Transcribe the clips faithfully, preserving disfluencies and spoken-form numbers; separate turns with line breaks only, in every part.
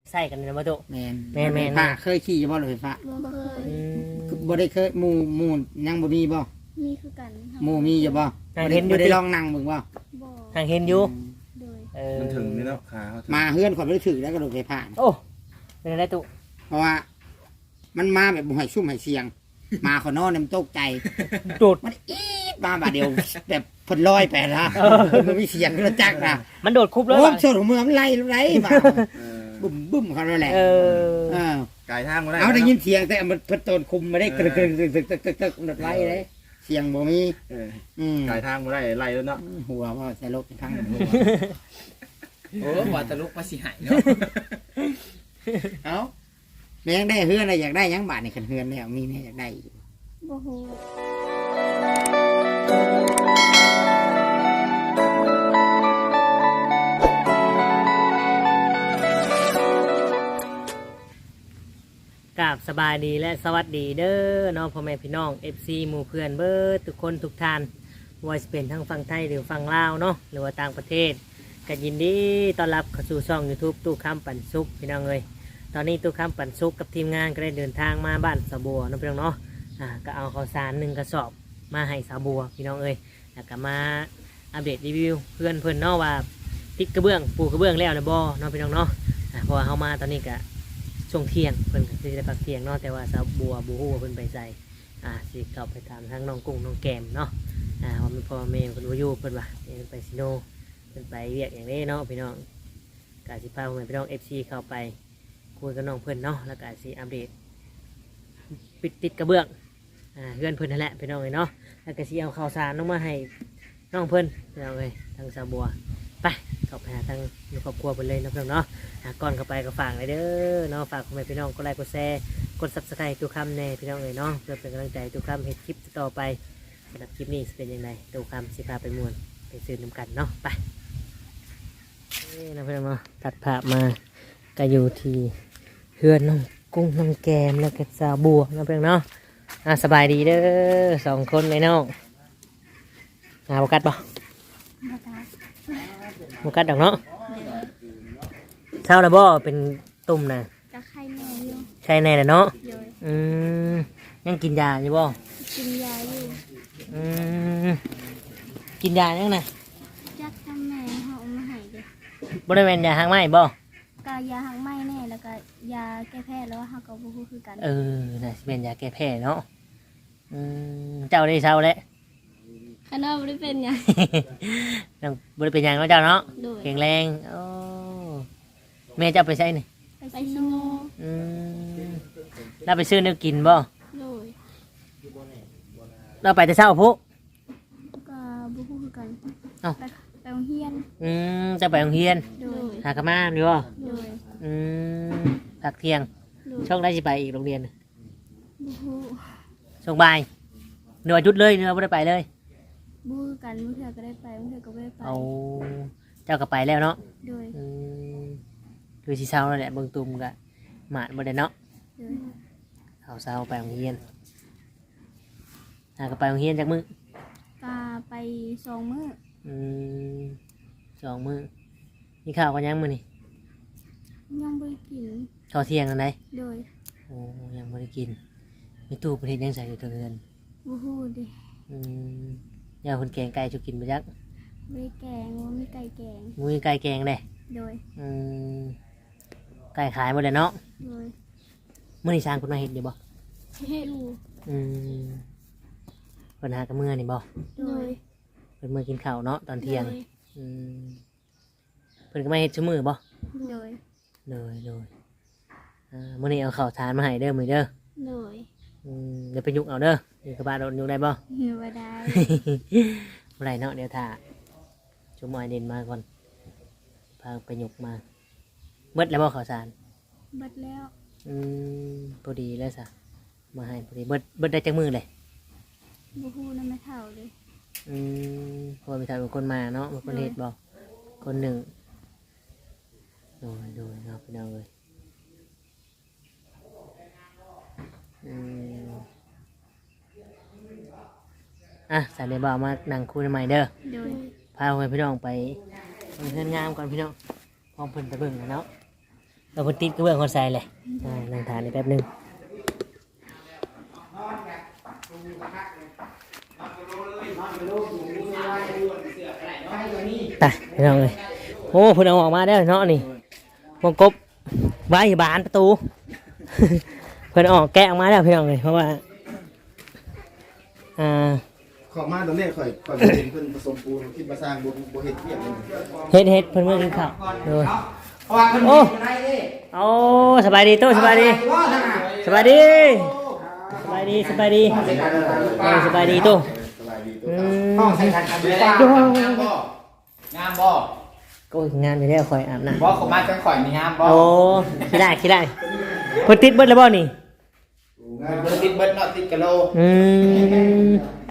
ใส่กันในประตู
แม่น
แม่นแม่น
ฟ้าเคยขี่บ่รถไฟฟ้า
บ่เคย
อืม
บ่ได้เคยหมู่หมู่ยังบ่มีบ่
มีคือกัน
หมู่มีอยู่บ่
อ่า
บ่
เห็
ได้
นอยู่
บ่ได้
ติ
ลองนั่งเบิ่งบ่
บ่
ทางเห็นอยู่
โดย
เออ
มันถึงนี่เนาะขาเขาถึง
มาเฮือนข่อยบ่ได้ถือแล้วก็รถไฟฟ้า
โอ้เป็นอะไรตุ
เพราะว่า มันมาแบบบ่ให้ซุ่มให้เสียง มาขอนอนเนี่ยมันตกใจ
โดด
มันอีดมาบาดเดียวแบบเพิ่นลอยไปนะมันมีเสียงกระจักนะ
มันโดดคุบเลย
โอ้
ว่ะ
โซนของเมืองมันไล่ไล่มา
เออ
บึ้มบึ้มเขาแล้วแหละ
เออ
เออ
ไก่ทางมาได้
เอาได้
นะ
ยินเสียงแต่มันเพิ่นโตนคุมมาได้กระตึกตึกตึกตึกตึกตึกมันไล่เลยเสียงบ่มี
เออ
อืม
ไก่ทางมาได้ไล่แล้วเนาะ
หัวว่าใส่ลบทั้งหัว
โอ้ว่าตะลุกมาสิหายเนาะ
เอาแม่ยังได้เฮือนอะไรอยากได้หยังบาทในคันเฮือนแล้วมีแม่อยากได้อยู่
บ่ฮู้
กราบสบายดีและสวัสดีเด้อน้องพ่อแม่พี่น้อง เอฟ ซี หมู่เพื่อนเบิร์ดทุกคนทุกท่านว่าจะเป็นทั้งฝั่งไทยหรือฝั่งลาวเนาะหรือว่าต่างประเทศก็ยินดีต้อนรับเข้าสู่ช่อง YouTube ตู้คำปันสุขพี่น้องเอ้ยตอนนี้ตู้คำปันสุขกับทีมงานก็ได้เดินทางมาบ้านสะบัวเน้องพี่น้องเนาะอ่าก็เอาข้าวสารหนึ่งกระสอบมาให้สะบัวพี่น้องเอ้ยแล้วก็มาอัปเดตรีวิวเพื่อนเพื่อนเนาะว่าติดกระเบื้องปูกระเบื้องแล้วนะบ่เน้องพี่น้องเนาะอ่าเพราะว่าเขามาตอนนี้ก็ ช่วงเที่ยงเพิ่นก็สิได้พักเที่ยงเนาะแต่ว่าสาวบัวบูฮู้ว่าเพิ่นไปใส่อ่าสิเข้าไปถามทั้งน้องกุ้งน้องแกมเนาะอ่าว่ามันพ่อแม่เพิ่นบ่อยู่เพิ่นว่าเพิ่นไปซิโนเพิ่นไปเวียกอย่างนี้เนาะพี่น้องก็สิพาพ่อแม่พี่น้อง เอฟ ซี เข้าไปคุยกับน้องเพิ่นเนาะแล้วก็สิอัปเดตปิดติดกระเบื้องอ่าเพื่อนเพิ่นนั่นแหละพี่น้องเอ้ยเนาะแล้วก็สิเอาข้าวสารลงมาให้น้องเพิ่นพี่น้องเอ้ยทางสาวบัวไปเข้าไปหาทางครอบครัวเพิ่นเลยเนาะพี่น้องเนาะ ก่อนเข้าไปก็ฝากเลยเด้อเนาะฝากคุณแม่พี่น้องกดไลค์กดแชร์กดซับสไครต์ทุกคำในพี่น้องเลยเนาะเพื่อเป็นกำลังใจทุกคำเห็นคลิปต่อไปสำหรับคลิปนี้จะเป็นยังไงทุกคำสิพาไปมวนไปซื้อน้ำกันเนาะไปนี่นะพี่น้องเนาะตัดภาพมาก็อยู่ที่เฮือนน้องกุ้งน้องแกมแล้วก็สาวบัวนะพี่น้องเนาะอ่ะสบายดีเด้อสองคนเลยน้องหาโอกาสบ่
บ่ตา
โอกาสดอกเนาะเช้าแล้วบ่เป็นตุ่มนะ
ก็ไข้แม่อยู่
ใช่แน่เลยเนาะ
โดย
อืมยังกินยาอยู่บ่
กินยาอยู่
อืมกินยายังนะ
จักทางแม่เฮาเอามาให้เด้อบ
ริเวณยาหางไหมบ่
ก็ยาหังไหม้แน่แล้วก็ยาแก้แพ้แล้วเฮาก็บ่ฮู้คือกัน
เออน่ะสิเป็นยาแก้แพ้เนาะอืมเจ้าได้เช้าแล้ว
คันว่าบ่ได้เป็นหยัง
ยังบริเป็นหยังเนาะเจ้าเนาะ
โดย
แข็งแรงโอ้แม่เจ้าไปใช้นี่
ไปซิโน
อืมเราไปซื้อเนื้อกินบ่
โดย
เราไปแต่เช้าพุ
ก็บ่ฮู้คือกัน
เอ้า
ไปไปโรงเรียน
อืมจะไปโรงเรียน
โดย
หากะมาดีบ่
โดย
อืมพักเที่ยง
โดย
ช่วงได้สิไปอีกโรงเรียน
บ่ฮู้
ช่วงบ่ายเหนือจุดเลยเหนือไม่ได้ไปเลย
บ่ฮู้คือกันมื้อเทื่อก็ได้ไปมื้อเทื่อก็บ่ได้ไป
เอาเจ้าก็ไปแล้วเนาะ
โดย
อืมคือสีเศร้าแล้วแหละเบิ่งตุ่มกะหมาดบ่ได้เนาะ
โดย
เอาเศร้าไปโรงเรียนหาก็ไปโรงเรียนจากมื้อ
ก็ไปสองมื้อ
อืมสองมื้อมีข้าวกันยังมื้อนี่
ยังบ่ได้กิน
ข้าวเที่ยงอันใด
โดย
โอ้ยังบ่ได้กินมีตู้ประเทศยังใส่อยู่เทางเรือน
บ่ฮู้เด้
อืมยาคนแกงไก่จุกินไปจัก
บ่ได้แกงบ่มีไก่แกง
มื้อไก่แกงเด้
โดย
อืมไก่ขายหมดเลยเนาะ
โดย
มื้อนี้สร้างคนมาเฮ็ดอยู่บ่
เฮ็ดอยู่
อืมเพิ่นหากับมื้อนี่บ่
โดย
เพิ่นมื้อกินข้าวเนาะตอนเที่ยง
โด
อืมเพิ่นก็มาเฮ็ดซุมื้อบ่
โดย
เลยเลยอ่ามื้อนี้เอาข้าวสารมาให้เด้อมื้อเด้อ
โดย
อืมเดี๋ยวไปยุกเอาเด้อนี่กระบะโดนยุกได้บ่
เหือบ่ได้
บ่ได้เนาะเดี๋ยวถ้าชุมอยเด่นมาก่อนพาไปยุกมาเบิดแล้วบ่ข้าวสาร
เบิดแล้ว
อืมพอดีแล้วซะมาให้พอดีเบิดเบิดได้จักมื้อเลย
บ่ฮู้นำแม่เฒ่าเลย
อืมเพราะว่ามีทางเป็นคนมาเนาะเป็นคนเฮ็ดบ่คนหนึ่งโดยโดยเนาะพี่น้องเอ้ยอืมอ่ะสายเดบ่าวมานั่งคุยใหม่เด้อ
โดย
พาไปพี่น้องไปเพื่อนงามก่อนพี่น้องพร้อมเพิ่นตะเบิ่งนะเนาะเราคนติดกระเบื้องคนใส่เลยอ่านั่งทานนี่แป๊บหนึงตายพี่น้องเลยโอ้เพิ่นเอาออกมาได้วเนาะนี่วงกบไว้บานประตู เพิ่นเอาออกแกะออกมาแล้วพี่น้องเลยเพราะว่าอ่า
ขอมาตอนนี้ข่อยข่อยเห็นเพิ่นผสมปูนคิดมาสร้างบ่บ่เฮ็ดเทียบเลย
เฮ็ดเฮ็ดเพิ่นเมื่อกินข้าวโดย
เพราะว่ามัน
โอ้
มีอะไรดิ
โอ้สบายดีตู้สบายดี
ว่าท่านน่ะ
สบายดีสบายดีสบายดีเออสบายดีตู้
สบายดี
อื
ห้อง
ม
ใส่กันกันดีก
งา
ว่าม
บ่งามบ่
ก็งานไปแล้วคอยอาบน้
บ่ขอมาจังข่อยนี่งามบ่
ำโอ้ขี้ได้ขี้ได้เพิ่นติดเบิดแล้วบ่นี่
มันบ่ติดเบิดเนาะติดกะโล
อืม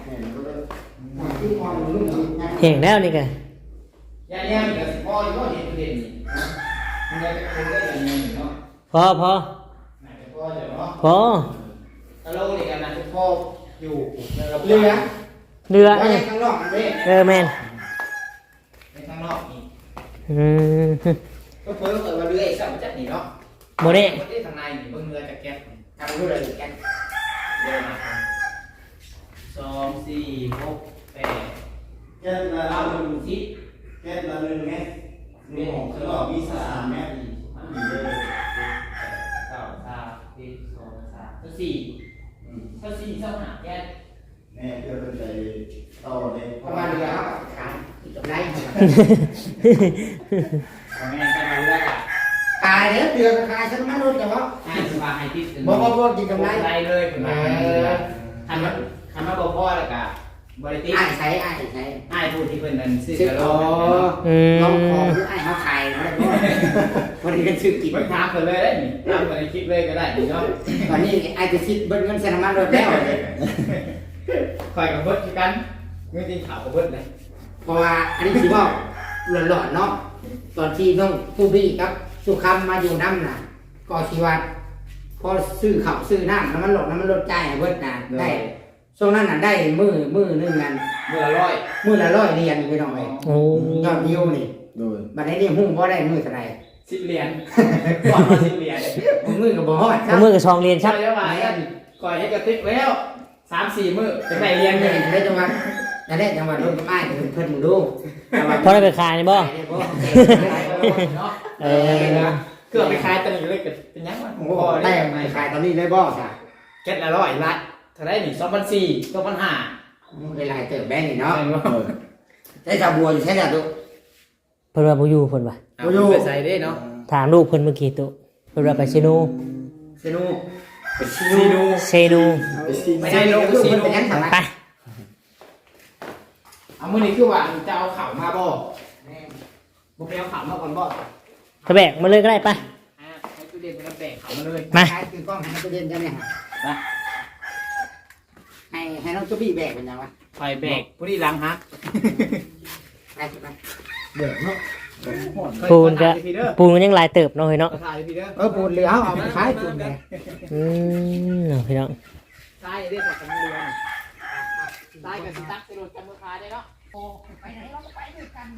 เห็นแล้วนี่กะ
ย่างๆนี่ก็สิพออยู่เห็นเด่นนี่มันก็คงได้อย่างนี้เนาะ
พอพอ
น่าจะพออยู่เนาะ
พอก
ะโลนี่ก็น่าจะพออยู่
เรือ
เรือ
ไว้ข้างนอกมันเด้
เออแมน
ในข้างนอกนี่
อืม
ก็เพิ่นเปิดว่าเรือไอ้ซ้ํจัดนี่เนาะ
โมเน่
บ่ได้ทางในนี่เบิ่งเรือจากแก๊ส
ทำรู้เลยแกน
เรือมาสองสี่หกแปด
แก้ละ
เก้าหนึ่งสิบ
แก้ละหนึ่งเมตรมีหกแล้วก็มีสามเมตรมีเลย
เก้าสามสี่สองสามสี่เท่าสี่เท่าห้าแก๊ส
แม่เพื่อเป็นใจต่อเลย
ประมาณเรือครับขายที่จบไร
ทำงานกันมาเรื่อยอ่ะ
ขายเด้อเรือขายฉันมันรู้จักว่า
ให้สบายให้ติด
บ่บ่บ่กินกำไร
ไรเลยผมมาทำมาทำมาบอกพ่อแล้วก็บริติ
อ้ายใช้อ้ายใช้
ให้ผู้ที่เพิ่นนั่นซื้อ
ซื้อก
ระโหล
อ๋อก
อืม
ลองของหรืออ้ายเขาขายเนาะวันนี้กันซื้อกิน
ไปถามเพิ่นเลยได้นี่ถามเพิ่นในคลิปเลยก็ได้นี่เนาะ
ตอนนี้อ้ายจะคิดเบิ้ลเงินใส่น้ำมันรถแล้ว
คอยกับเบิดคือกันเงินจริงข่าวกับเบิดเลย
เพราะว่าอันนี้ถือว่าหลอนๆเนาะตอนที่น้องผู้พี่ครับสุคำมาอยู่น้ำน่ะก็ชีวัดพอซื้อข้าวซื้อน้ำน้ำมันหลดน้ำมันลดจ่ายให้เบิดน่ะได้ช่วงนั้นน่ะได้มือมือหนึงนั่น
เมื่อละร้อย
มือละร้อยเหรียญไปหน่อย
โอ้
ยอดวิวนี่
โดย
บัดนี้นี่หุ้งบ่ได้มือเท่าไหร่
สิบเหรียญก่อนมาสิบเหรียญ
มือก็บ่ฮอดค
เอา
รับ
มือกับซองเรียนชั
ใช่
ก
แล้วว่าคอยให้กระติกแล้วสามสี่มื้อจะได้เรียน
เงิ
เงิ
น
น
ได้จังหวัดได้จังหวัดลงกับอ้ายเพิ่นเพิ่นมึงดู
พอได้ไปขายนี่บ่ เออ
เกือบไปขายตอนนี้เลยเป็นยังวะ
โอ้โหแต่ไม่ขายตอนนี้เลยบ่จ้ะ
เก็ตละร้อยละเท่าไรนี่สองพันสี่สองพันห้า
เวลาเติบแบงนี่เนาะ
เนาะ
ได้ชาวบัวอยู่ใช่ไหมตุ๊
เพิ่นว่าบ่อยู่เพิ่นว่า
ไปใส่ได้เนาะ
ถามลูกเพิ่นเมื่อกี้ตุเพิ่นว่าไปเซโน
เซนู
ซีนู
เซโน
ไปได้ลูกเพิ่นเป็นยังไง
ไป
เอามือนี้คือว่าจะเอาข่าวมาบ่บ่ไปเอาข่าวมาก่อนบ่
กระแบกมาเลยก็ได้ไป
อ่าให้ตู้เด่นไปแบกข่าวมาเลย
มา
ขายคือกล้องให้ตัวเด่นจังเนี่ยฮะให้ให้น้องตุ๊บี้แบกเป็นยังวะ
ไฟแบกผู้ที่ล้างฮัก
ไปไป
เด้อเนาะ
ปูนก็ปูนมันยังหลายเติบเนาะเฮ้ยเนาะ
ถ่ายพี่เด้อ
เออปูนเหลือเอาเอาไปขายปูนเลย
อืมเนาะพี่น้อง
ถ่ายได้จากกันเรือนถ่ายกับสิตักไปโดนกันมือคาได้เนาะโอ้
ไปไหนเราก็ไปด้วยกัน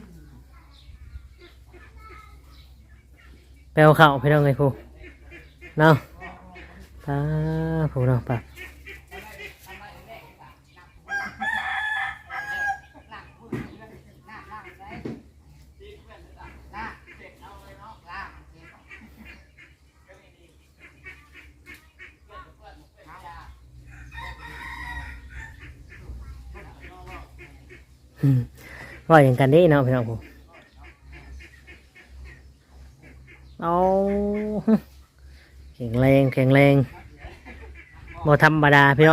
ไปเอาข้าวพี่น้องไงพูเนาะป้าพูเนาะป้าอืมว่าอย่างกันได้เนาะพี่น้องผมเอาแข็งแรงแข็งแรงบ่ธรรมดาพี่น้อง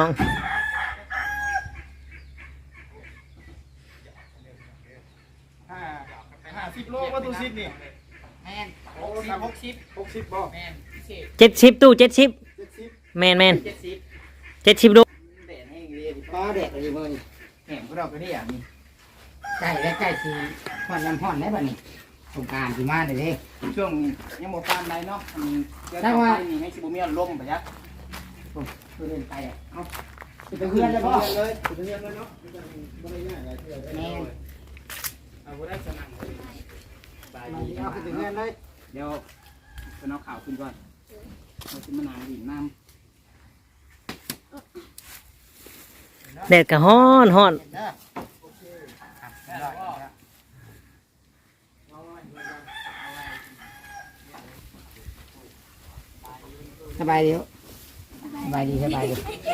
ห้าห้าสิบโลว่าตัวสิบนี่
แมนหกสิบหกสิบ
หกสิบบ่
แมนพิเศษ
เจ็ดสิบตู้เจ็ดสิบ
เจ็ดสิบ
แมนแมน
เจ็ดสิบ
เจ็ดสิบดู
แดดแห้งเรียบ
ก็เด็กอะไรมือนี่
แห้งพวกเราก็ได้อย่างนี้
ใกล้และใกล้สีห่อนน้ำห่อนได้ป่ะนี่สงการที่มาเด้
ช่วงนี้ยังหมดปานใดเนาะอันนี้เกิดจากไปนี่ให้ชิบุมีอารมณ์ไปยัก
คือเดินไปอ่ะเอาเป็นเพื่อนเลยพ่อ
เลยเรียนเลยเนาะบ่ได้ยากอะไรเท่าไหร่
แม่
เอาบ่ได้สนั่งเลยบาย
มา
ดี
เอาคือเป็นเพื่อนเลย
เดี๋ยว
เป็นเอาข่าวขึ้นก่อนเราขึ้นมานางหินน้
แดดก็ฮ้อนฮ้อน
ำเด้อสบายดีสบายดีสบายดี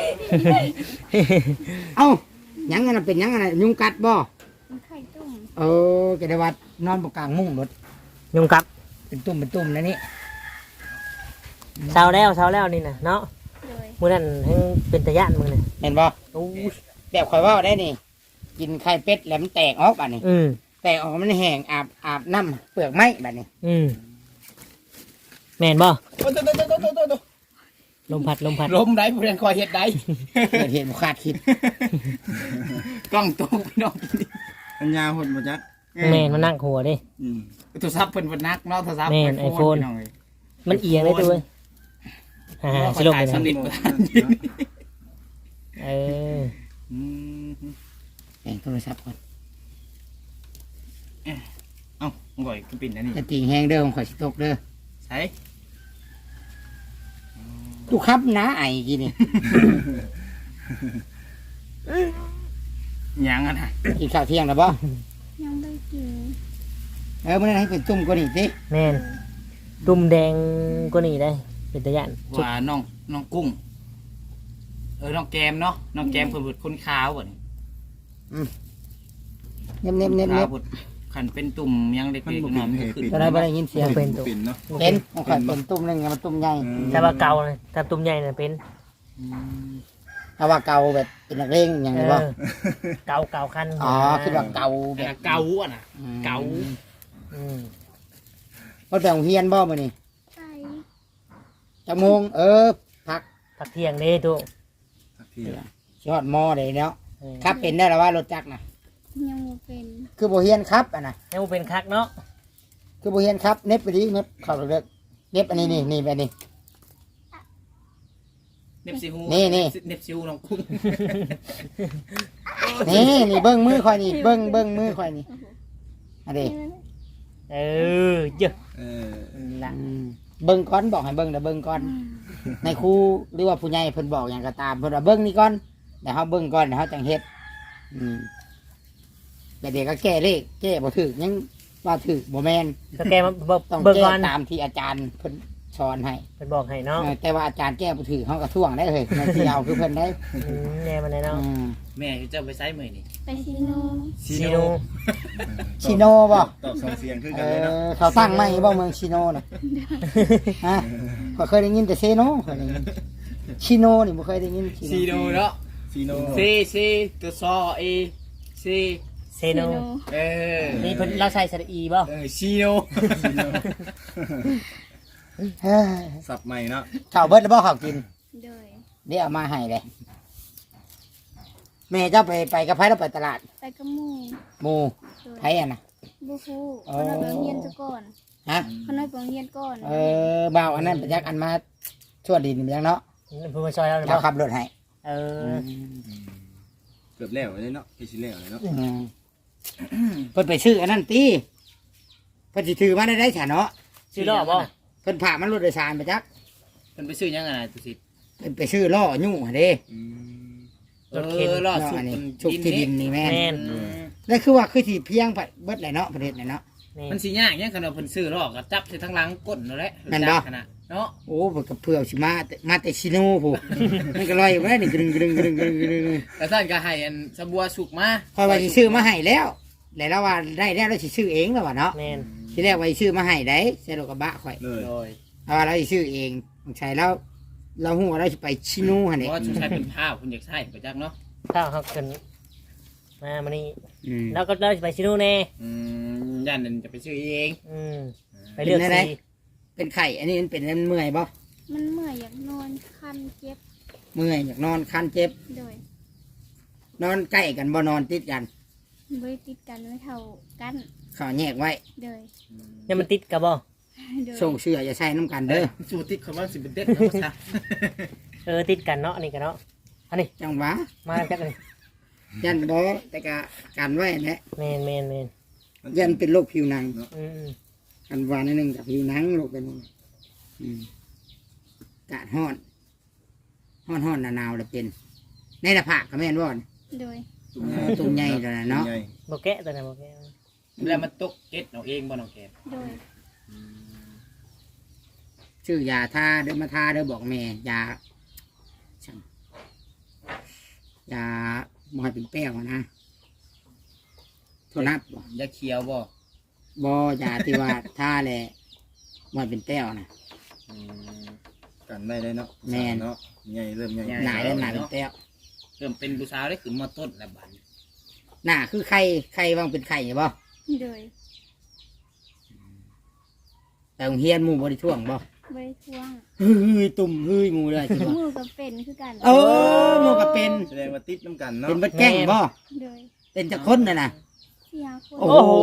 เอ้ายังไงนะเป็นยังไงนะยุงกัดบ่
มันไข่ตุ่ม
เออแกได้ว่านอนบนกลางมุ้งรถ
ยุงกัด
เป็นตุ่มเป็นตุ่มแล้วนี่
เช้าแล้วเช้าแล้วนี่น่ะเนาะ
โดย
มื้อนั้นให้เป็นตะย่านมื้อน่ะ
เห็นบ่
โอ้ย
แบบข่อยเว่าได้นี่ กินไข่เป็ดแล้วมันแตกออกบัดนี้
อืม
แตกออกมันแห้งอาบอาบน้ำเปลือกไม้บัดนี้
อืมแม่นบ่
โอ้โตโตโตโตโตโต
ลมพัดลมพัด
ลมได้ผู้เรียนคอยเฮ็ดได้เกิดเหตุบุคาดคิด กล้องตกพี่น้อง
ปัญญาหดบ่จัก
แม่นมันนั่งหัวเด้
อืม
โทรศัพท์เพิ่นเพิ่นนักเนาะโทรศัพท์
แม่น iPhone
พี่น้องเอ้ย
มันเอียงได้ตัวเว้ยฮ่าๆสิลงไป
ส
นะ
นิทบ่ทัน
เออ
อืม
แบ่งโทรศัพท์ก่อน
เอ้าก่อยคือปิ่นอันนี้
จะตีแห้งเด้อของข่อยสิตกเด้อ
ใช่
ทุกครับนะไอ้กี่นี่
ยังอ่ะนะ
กินข้าวเที่ยงแล้วบ่
ยังไม่กิน
เออมื้อนั้นให้เป็นตุ่มกว่านี้สิ
แม่นตุ่มแดงกว่านี้ได้ เป็นตะย่าน
ว่าน้องน้องกุ้ง เออน้องแกมเนาะน้องแกมเพิ่นเพิ่นคนขาวบ่นี่อืมเน็บๆๆๆ
ขาวบดขันเป็นตุ่มยังเด็ก
มัน
ๆ
บ่
หน่
เป็
อย
น
มัน
เห
ก็
ตุ
ขึ้น
ปิ่น
ตอนนั้นบ่ได้ยินเสียง
เป็นตุ่ม
ปิ่นเนาะ
เป็นของข่อยเป็นตุ่มหนึงมันตุ่มใหญ่
แต่ว่าเก่าเลยแต่ตุ่มใหญ่น่ะเป็น
ถ้าว่าเก่าแบบเป็นนักเลงอย่าง
เอ
นี้บ่
อเก่าเก่าคัน
อ๋อคิดว่าเก่าแบ
แต่
บ
เกาอ่ะนะ
อืม
เกา
อืม
มันไปโรงเรียนบ่มื้อนี้
ไป
จักโมงเออพัก
พักเที่ยงเด้ตุ
สักที
ยอดมอได้เนาะ
เออ
ครับเป็นได้แล้วว่ารถจักรน่ะ
ยังบ่เป็น
คือบ่เฮียนครับอ่ะนะ
ยังบ่เป็นคักเนาะ
คือบ่เฮียนครับเน็บไปดิเน็บเข้าเลิกเน็บอันนี้นี่นี่ไปนี่
เน็บซิฮู
นี่นี่
เน็บซิฮูน้องกุ้ง
นี่นี่เบิ้งมือข่อยนี่เบิ้งเบิ้งมือข่อยนี่อันนี้
เออเยอะ
เออ
ละ
อืมเบิ้งก่อนบอกให้เบิ้งเดี๋ยวเบิ้งก่อนในครูหรือว่าผู้ใหญ่เพิ่นบอกอย่างก็ตามเพิ่นว่าเบิ้งนี่ก่อนเดี๋ยวเฮาเบิ้งก่อนเดี๋ยวเฮาจังเฮ็ดอืมแต่เด็กก็แก้เลขแก้บ่ถูกยังว่าถูกบ่แม่น
ก็แกมาเบิ่ง
ต้อง
เบิ่ง
แก้
ก่อน
ตามที่อาจารย์เพิ่นสอนให้
เป็นบอกให้เนาะ
เออแต่ว่าอาจารย์แก้บ่ถูกเฮาก็ท่วงได้เลยในที่เอาคือเพิ่นได้
อืมแน่มันแน่เนาะ
อืม
แม่เจ้าไปไซส์มือนี่
ไปซีโน
ซี
ซี
โน
โน
ชิโนบ่
ตอบสองเสียงคือ
เอ
กันเลยเนาะ
อเขาตั้งไหมบ่เมืองชิโนน่ะฮะก็เคยได้ยินแต่เซโนเคยได้ยินชิโนนี่บ่เคยได้ยิน
ซีโนเนาะ
ซีโน
ซีซีตัวซอเอซี
เซโน
เออ
นี่เพิ่นเราใส่สระอีบ่
เออซีโน
เฮ้ย
สับใหม่เนาะ
ข้าวเบิดแล้วบ่ข้าวกิน
โดย
เดี๋ยวเอามาให้เลยแม่เจ้าไปไปกับไผแล้วไปตลาด
ไปกับหมู่
หมู่
โดย
ไผอ่ะนะ
บ่ฮู้
อ๋อ
เขาน้อยไปโรงเรียนซะก่อน
ฮะ
เขาน้อยไปโรงเรียนก่อน
เออบ่าวอันนั้นไปจักอันมาชั่วดินไปจังเนาะ
เพิ่นมาซอยเราเลย
เจ้า
บ่
ขับรถให้
เออ
เกือบแล้วเลยเนาะพี่ชิแล้วเลยเนาะ
อืมเพิ่นไปซื้ออันนั้นตีเพิ่นสิถือมาได้ได้ฉะเนาะ
ชื่อรอบบ่
เพิ่นพามันรถโดยสารไปจัก
มันไปซื้อยังไงนะตุสิ
เพิ่นไปซื้อล้อยุ่งหั่นเด้
อืม
เออรอด
ล้อ
สุด
อันนี้
มัน
ชุกที่ดินนี่แม่น
แม่น
อืม
แล้วคือว่าคือสิเพียงเบิดเลยเนาะประเทศไหนเนาะ
นี่
มันสียากยังขนาดเพิ่นซื้อหรอกก็จับใส่ทั้งหลังก้นนั่นแหละ
แม่นบ่
ขนาดเนาะ
โอ้เพิ่นก็เพื่อสิมาแต่มาแต่ชิโน่ผู้ มันก็ลอยอยู่ได้นี่กรึงกรึงกรึงกรึงกรึง
แต่ท่านก็ให้อันสบัวสุกมา
คอยว่าสิซื้อมาให้แล้วแล้วเราว่าได้แล้วเราสิซื้อเองแล้วว่าเนาะ
แม่น
ทีแรกว่าสิซื้อมาให้ได้ใส่รถกระบะข่อย
เลย
โดย
เอาว่าเราสิซื้อเองใช่แล้วเราฮู้ว่าเราสิไปชิโน่หั่น
เพ
นี่
ราะว่าชุดชายเป็นผ้าคุณอยากใส่ไปจักเนาะ
ถ้าเขาเกินมามานี่
อืม
แล้วก็เราจะไปชิโน่แน่
อืมย่านนั้นจะไปซื้อเอง
อืมไปเลือกสี
เป็นไข่อันนี้มันเป็นอันเมื่อยบ่
มันเมื่อยอยากนอนคันเจ็บ
เมื่อยอยากนอนคันเจ็บ
โดย
นอนใกล้กันบ่นอนติดกัน
บ่ได้ติดกันไว้เท่ากัน
เขาแยกไว้
โดย
เนี่ยมันติดกับบ่
โดย
ส่งเสื้ออย่าใส่น้ำกันเด้อ
สูติดคำว่าสิเป็นเด็ดนะภาษา
เออติดกันเนาะอันนี่กันเนาะอันนี้
จังหวะ
มาจักอันนี้
ยันบ่แต่ก็กันไว้แหละ
แมนแมนแมน
ยันเป็นโรคผิวหนัง
อืม
กันวานนิดนึงกับผิวหนังโรคเป็นอืมกาดฮ้อนฮ้อนฮ้อนหนาวๆเลยเป็น ในหน้าผากก็แม่นบ่อน
โดย
ตุ่มใหญ่ตัวนั้นเนาะ
ใหญ่
บ่แกะตัวนั้นบ่แกะ
แล้วมันตกเก็ดเอาเองบ่น้องแกม
โดย
ชื่อยาทาเดินมาทาเด้อบอกแม่ยาช่างยาบ่ให้เป็นแป้วนะโทษนับบ่
ยาเขียวบ่
บ่ยาที่ว่าทาแหละบ่ให้เป็นแป้วนะ
อืม
กันได้ได้เนาะ
แม่น
เนาะใหญ่เริ่มใหญ่
หนาเริ่มหนาเป็นแป้ว
เริ่มเป็นผู้สาวได้ขึ้นมอต้นแล้วบัดนี้
หน้าคือไข่ไข่วางเป็นไข่บ่
โดย
แต่โรงเฮียนหมู่บ่ได้ท่วงบ่
บริทวง
เฮ้ยตุ่มเฮ้ยหมู่เลยสิบ่
หมูกับเป็นคือกัน
โอ้หมู่ก็เป็น
แสดงว่าติดน้ำกันเนาะ
เป็นบัดแก้งบ่
โดย
เป็นจักคนน่ะนะ
สี่ห้าคน
โอ้โห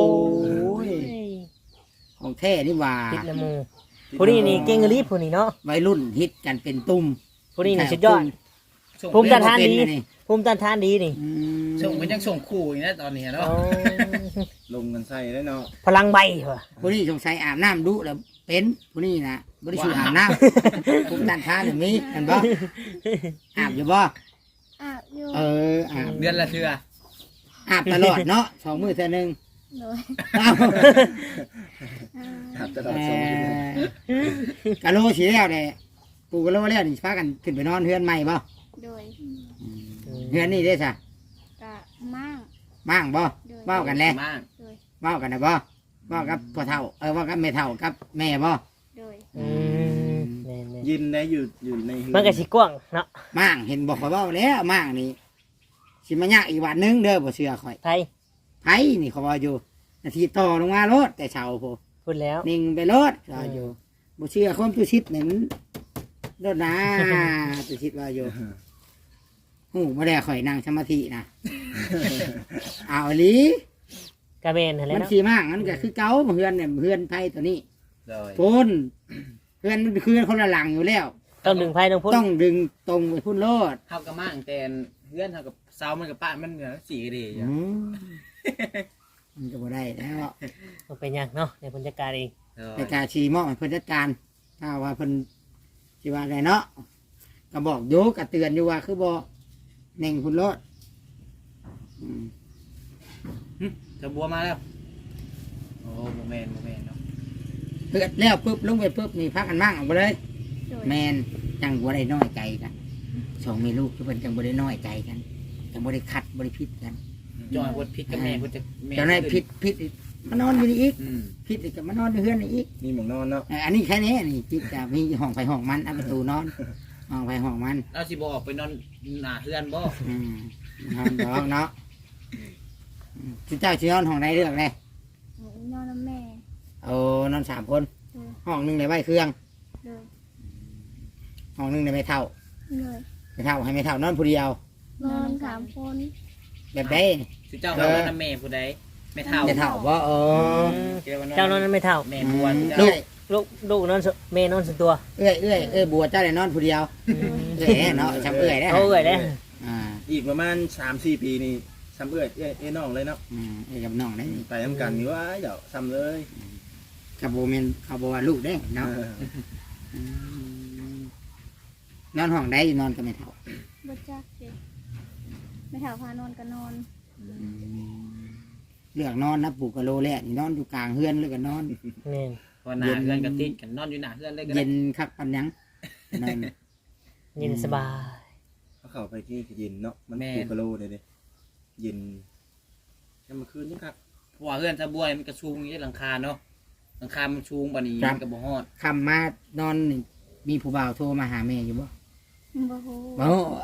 ของแท้นี่ว่า
ติดละหมูผู้นี้นี่เก่งอีหลีผู้นี้เนาะ
วัยรุ่นฮิตกันเป็นตุ่ม
ผู้นี้นี่สุดยอด
ส่ง
ภูมิต้านทาน
เป็
ดี
อันนี้
ภูมิต้านทานดีนี่
อืม
ส่งมันยังส่งคู่อยู่นะตอนนี้เนาะ
อ๋อ
ลงกันใส่ได้เนาะ
พลังใบว่ะ
ผู้นี้สงสัยอาบน้ำดุแล้วเป็นผู้นี้นะบริสุทธิ์อาบน้ำ ผมตันท้าหรือมีเห็นบ่อาบอยู่บ่
อาบอยู่
เอออาบ
เดือนละเทื่อ
อาบตลอดเนาะสองมือเท่านึง
โดย
เอ้า
อ่า
หัดตลอด
เอ่
สองปีเลย
อกะโลสีแล้วเลยปูกะโลแล้วนี่พากันขึ้นไปนอนเฮือนใหม่บ่
โดย
เฮือนนี่ได้ซะ
กะมั่ง
มั่างบ่
โดย
เว้ากันแล้ว
มาก
โดย
เว้ากันนะบ่เว้ากับพ่อเฒ่าเออเว้ากับแม่เฒ่ากับแม่บ่
โดย
อืมแม่น
ยินได้อยู่อยู่ในเฮื
ๆมันก็สิกว้างเนาะ
มั่างเห็นบอกข่อยเว้าแล้วมั่างนี่สิมายากอีกวันหนึงเด้อบ่เชื่อข่อย
ไทย
ไผนี่เขาว่าอยู่นาทีต่อลงมารถแต่เช้าโพ
พูดแล้ว
นิ่งไปรถว่าอยู่บ่เชื่อความตุชิดนี่มันรถนะตุชิดว่าอยู่หูบ่ได้ข่อยนั่งสมาธินะเอาอีหลี
กระเบนหั่นแหละ
มัน
เนาะ
สิมากมันก็คือเก่าเฮือนเนี่ยเฮือนไผตัวนี้
เลย
โพนเฮือนมันคือคนละหลังอยู่แล้ว
ต้องดึงไฟต้องพุ่น
ต้องดึงตรงไปพุ่นรถ
เฮาก็มากแต่เพื่อนเฮากับสาวมันกับป้ามันเหนือสีก็ดีอยู่
อืมมันก็บ่ได้แล้ว
มันเป็นหยังเนาะในบรรยากาศเอง
เลย
แต่การชีมอบให้เพิ่นจัดการถ้าว่าเพิ่นสิว่าไงเนาะก็บอกอยู่ก็เตือนอยู่ว่าคือบ่เน่งพุ่นรถอืม
จะบัวมาแล้วโอ้โมเมนโมเมนเนาะ
เปิดแล้วปุ๊บลงไปปุ๊บนี่พักกันมั่งออกไปเลย
โดย
แมนจังบ่ได้น้อยใจกันสองแม่ลูกคือเพิ่นจังบ่ได้น้อยใจกันจังบ่ได้ขัดบ่ได้ผิดกัน
จอยพดพิษกับแม่พดจะแม่
เจ้านายผิดผิดอีกมานอนอยู่นี่อีก
อืม
ผิดอีกก็มานอนอยู่เฮือนนี่อีก
มีหมองนอนเนาะ
เอ่ออันนี้แค่นี้นี่ผิดจะมีห้องไฟห้องมันเอาประตูนอนห้องไฟห้องมัน
เราสิบออกไปนอนหน้าเฮือนบ่
อืมนอนดอกเนาะอืมสิเจ้าสินอนห้องใดเลือกเลย
นอนน้ำแม่
เอานอนสามคน
โดย
ห้องหนึงในใบเครื่อง
โดย
ห้องหนึงในใบเท่า
โดย
ไม่เท่าให้ไม่เท่านอนผู้เดียว
นอนสามคน
แบบใด
สิเจ้าเขาว่าน้ำแม่ผู้ใดไม่เท่า
ไม่เท่าว่าเออ
เจ้านอนนั้นไม่เท่า
แม่บัว
เอื้อย
ลูกลูกนอนสุเมย์นอนสุดตัว
เอื้อยเอื้อยเอื้อยบัวเจ้าได้นอนผู้เดียวเอื้อยเนาะจำเอื้อยได้
เขาเอ่ยได้
อ่า
อีกประมาณสามสี่ปีนี่ซ้ำเอื้อยเอ้ยเอ้ยน้องเลยเนาะ
อืมเอื้อยกับน้องได้นี่
ไปทำกันนี่ว่าเดี๋ยวซ้ำเลย
กับโบเมนเขาบอกว่าลูกได้เนาะ
เออ
อืมนอนห้องได้นอนกับไม่เท่า
บ่จักเด็กไม่แถวพานอนก็นอน
อืมเลือกนอนนะปลูกกะโลแรกนี่นอนอยู่กลางเฮือนเลยก็นอน
นี่
พอหน้าเฮือนกับติดกันนอนอยู่หน้าเฮือนเลยก็
เย็
ได้
นคักปันยังนอน
เย็นสบาย
เขาเข้าไปที่เย็นเนาะมันปูกะโลเลยเด้เย็นยามมื้อคืนนี่ครับ
เพราะว่าเฮือนตะบัวมันกระชูงอยู่หลังคาเนาะหลังคามันชูงปานนี้มันก็บ่ฮอด
คำมานอนนี่มีผู้บ่าวโทรมาหาแม่อยู่บ่
บ่ฮู้
โอ้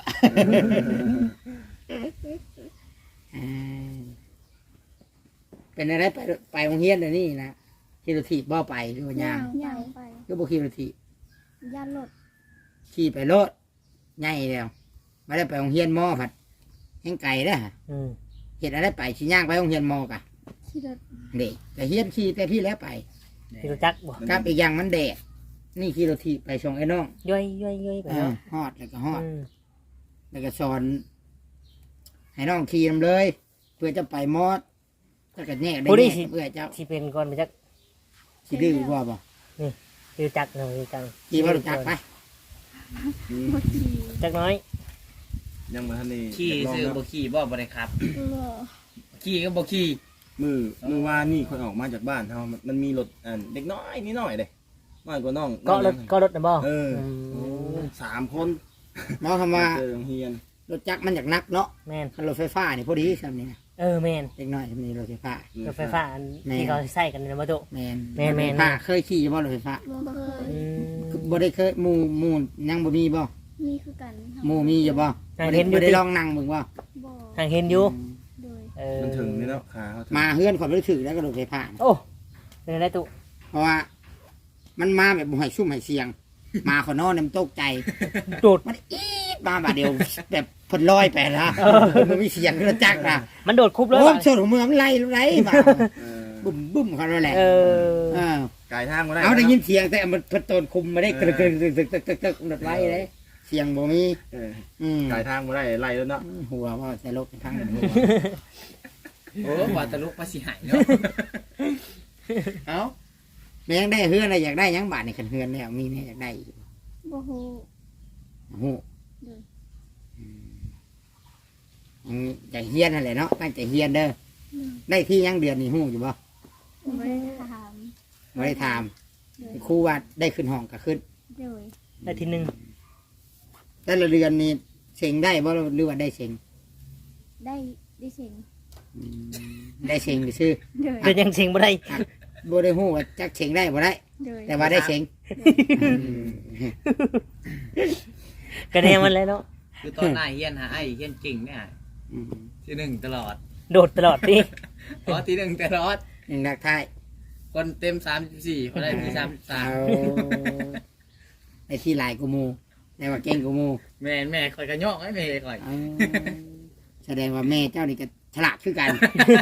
อ่าเป็นอะไรไปไปโรงเรียนเดี๋ยวนี้นะขี่รถถีบบ่ไปหรือว่าย่าง
ย่างไป
ก็บ่ขี่รถถีบ
ย่านรถ
ขี่ไปรถใหญ่แล้วไม่ได้ไปโรงเรียนมอผัดแห้งไก่เด้อ
อืม
เห็นอะไรไปขี่ย่างไปโรงเรียนมอกะ
ขี่รถ
เด็กแต่เฮียนขี่แต่พี่แล้วไป
พี่รู้จักบ่
กับอีกอย่างมันแดดนี่ขี่รถถีบไปส่งไอ้น้อง
ย่อยย่อยย่อยไป
เอ
แล้
อ
ว
ฮอดแล้วก็ฮอด
อืม
แล้วก็สอน ให้น้องขี่นำเลย เพื่อจะไปมอดถ้าเกิดแยกได้แยกเพื่อเจ้า
ที่เป็นก่อนไปจัก
สิดื้อว่าบ่
นี่คือจักหน่อยจัง
ขี่บ่รู้จักไป
อืม
บ่ขี่
จักน้อย
ยังมาทันนี่
ขี่
ลอง
ซื้อ
เนาะ
บ่ขี่บ่บ่ได้ครับ
บ่
ขี่ก็บ่ขี่
มือมือว่านี่คนออกมาจากบ้านเฮามันมันมีรถอันเด็กน้อยนิดหน่อยเด้น้อยกว่าน้อง
ก็รถก็รถนะบ่
เออ
ม
โอ้สามคน
เนาะคำว่า
เจอโรงเรียน
รถจักรมันอยากนักเนาะ
แม่น
คันรถไฟฟ้านี่พอดีซำนี่นะ
เออแม่น
เล็กน้อยมันมีรถไฟฟ้าร
ถไฟฟ้าอันที่เขาใส่กันนะบ่ตุ
แม่น
แม่นแม่น
รถไฟฟ้าเคยขี่บ่รถไฟฟ้า
บ่เคย
อืม
บ่ได้เคยหมู่หมู่ยังบ่มีบ่
มีคือกัน
หมู่มีอยู่บ่
อ่า
บ่
เห็
ได้
นอยู่
บ่ได้
ติ
ลองนั่งเบิ่งบ่
บ่
ห่างเห็นอยู่
โดย
เออ
มันถึงนี่เนาะขาเขาถึง
มาเฮือนข่อยบ่ได้ถือแล้วก็รถไฟฟ้า
โอ้เป็นอะไรตุ
เพราะว่ามันมาแบบบ่ให้ซุ่มให้เสียง มาขอนอนเนี่ยมันตกใจ
โดด
มันอีดมาบาดเดียวแบบเพ่นลอยไปละมันมีเสียงรถจักรนะ
มันโดดคุบเลย
โอ้
ว่ะ
ส่วนของเมืองมันไล่ไล่มา
เออ
บุ้มบุ้มเขาแล้วแหละ
เออ
เออ
ไกลทางก็ได้
เอาได้
นะ
ยินเสียงแต่มันเพิ่นโตนคุมมาได้กระดึกกระดึกตึกตึกตึกตึกรถไล่เลยเสียงบ่มี
เออ
อืม
ไกลทางก็ได้ไล่แล้วเนาะ
หัวว่าแต่ลบทางหัว
โอ้ว่าตะลุกมาสิหายเนาะ
เอาแม่งได้เฮือนอะไรอยากได้หยังบาทในคันเฮือนเนี่ยมีเนี่ยอยากได้อีก
บ่ฮู้
โอ้โห
เด้อ
อืมใจเฮียนนั่นแหละเนาะตั้งใจเฮียนเด้อได้ที่ยังเดือนนี่ฮู้อยู่บ่
บ่ได้ถาม
ไม่ได้ถาม
โดย
ครูว่าได้ขึ้นห้องก็ขึ้น
โดย
ได้ทีหนึ่ง
แต่ละเดือนนี่เซ็งได้บ่หรือว่าได้เซ็ง
ได้ได้เสียง
อืมได้เซ็งไปซื้อ
โดย
เดี๋ยวยังเชิงบ่ได้
บ่ได้ฮู้ว่าจักเซ็งได้บ่ได้
โดย
แต่ว่าได้เซ็ง
กระแนมันเลยเนาะ
คือตอนหน้าเฮียนหาไอ้เฮียนจริงเนี่ย
อืม
ที่หนึ่งตลอด
โดดตลอดดิ
เพราะที่หนึ่งตลอด
ยังรักทาย
คนเต็มสามสิบสี่คนได้ที่สามสิบสาม
เอาได้ที่หลายกูหมู่ได้ว่าเก่งกูหมู่
แม่แม่คอยกระยอกให้แม่คอย
เอาแสดงว่าแม่เจ้านี่ก็ฉลาดคือกัน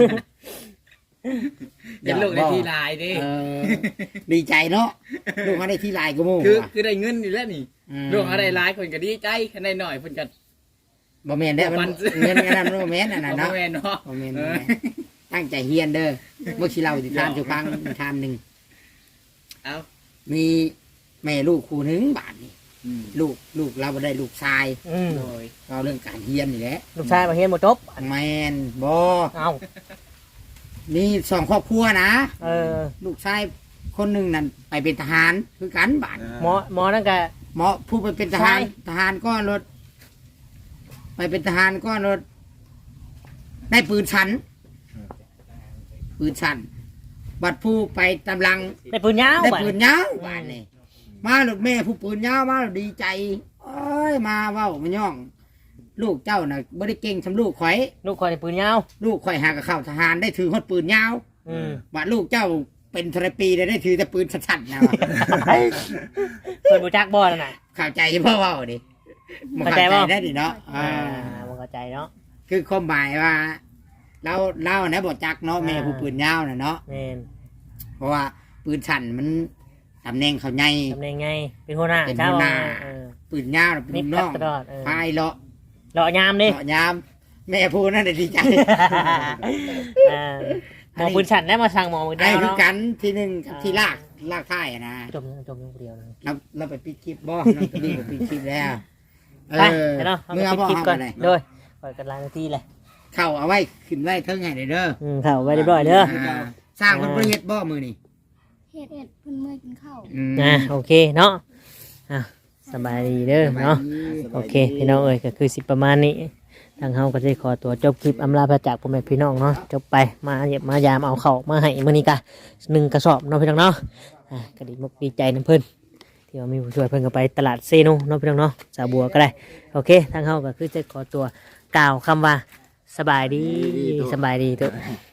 เดี๋ยวลูกได้ที่ลายดิ
เออดีใจเนาะลูกเขาได้ที่หลายกูหมู่
คือ
ว่ะ
คือได้เงินนี่แหล้วนี่
ม
ลูกเขาได้หลายคนก็ดีใจคันได้หน่อยเพิ่นก็
บ่แม่นได้อ
บ่
มัน
ปัน
เงินอันนั้นบ่แม่นอันนั้น
เอา
เนาะ
แม่เนาะ
บ่แม่น
เอ
บ่
อ
แม่นตั้งใจเฮียนเด้อเมื่อกี้เราสิทานสุฟังทานหนึ่ง
เอา
มีแม่ลูกคู่หนึ่งบาทนี่
อืม
ลูกลูกเราบ่ได้ลูกชาย
อืม
โดย
เราเรื่องการเฮียนนี่แหละ
ลูกชายมาเฮียนหมดจบ
แมนบอ
เอ้า
มีสองครอบครัวนะ
เออ
ลูกชายคนหนึ่งนั่นไปเป็นทหารคือกันบาท
หมอหมอนั่นก็
หมอผู้ไปเป็นทหาร
ใช่
ทหารก้อนรถ ไปเป็นทหารก้อนรถ ได้ปืนชันปืนชันบัดผู้ไปตำลัง
ได้ปืนยาว
ได้
บัด
ปืนยาวบาทนี่มาหลุดแม่ผู้ปืนยาวมาแล้วดีใจเอ้ยมาเว้ามาย่อง ลูกเจ้าน่ะบ่ได้เก่งสำลูกข่อย
ลูกคอยได้ปืนยาว
ลูกข่อยหากับเข้าทหารได้ถือฮอดปืนยาว
อืม
บาดลูกเจ้าเป็นทรปีได้ได้ถือแต่ปืนสั้นๆนะวะ
เปิดบูจักบอลน่ะ
เข้าใจพ่อเว่าดิมัน
เข้า
เข้า
ใจ
ใจ
บ่
ได้ดิเนาะ
อ่า
อ่า
มันเข้าใจเนาะ
คือความหมายว่าเราเรานะบอกจักเนาะแม่ผู้ปืนยาวน่ะเนาะ
แม่น
เพราะว่าปืนสั้นมันตำแหน่งเขาใหญ่
ทำได้ไงเป็นหัวหน้า
เป็น
เจ้า
หัวหน้า
เออ
ปืนยาวน่ะเป็น
มี
ลูกน้อง
ตลอดเออ
พายเลาะ
เลาะยามดิ
เลาะยาม แม่ผู้นั่นน่ะดีใจ
อ่าหมอปืนฉันได้มาสั่งหมอปืน
ไอ้
ยาว
คือ
เนาะ
กันที่หนึ่งกับที่ลากลากท้ายอะนะ
จมจมอย่างเดียวนะ
เราเราไปปิดคลิปบ่น้องตัวนี้ไปปิดคลิปแล้วเอ
ไป
อ
เนาะ
เมื่อ
เอา
บ่
ไปคลิป
เอา
ก่อน
ไปไหน
โดยปล่อยกันลายนาทีเลย
เข้าเอาไว้ขึ้นไว้เทิงให้ได้เด้อ
อืมเข้าไว้เรียบร้อยเด้อ
อ่าสร้างคนประเฮ็ดบ่มือนี่
เฮ็ดเฮ็ดเพิ่นเมื่อยกินข้าว
อืม
อ่ะโอเคเนาะอ่ะสบายดีเด้อเนาะโอเคพี่น้องเอ้ยก็คือสิประมาณนี้ทางเฮาก็จะขอตัวจบคลิปอำลาพระจากพ่อแม่พี่น้องเนาะจบไปมาเยี่ยมมายามเอาเข้าวมาให้มื้อนี้กะหนึ่งกระสอบเนาะพี่น้องเนาะอ่ะก็ดีมกดีใจนํเพิ่นที่ว่ามีผู้ช่วยเพิ่นก็ไปตลาดเซโนเนาะพี่น้องเนาะสาวบัวก็ได้โอเคทางเฮาก็คือจะขอตัวกล่าวคำว่าสบายดีสบายดีทุก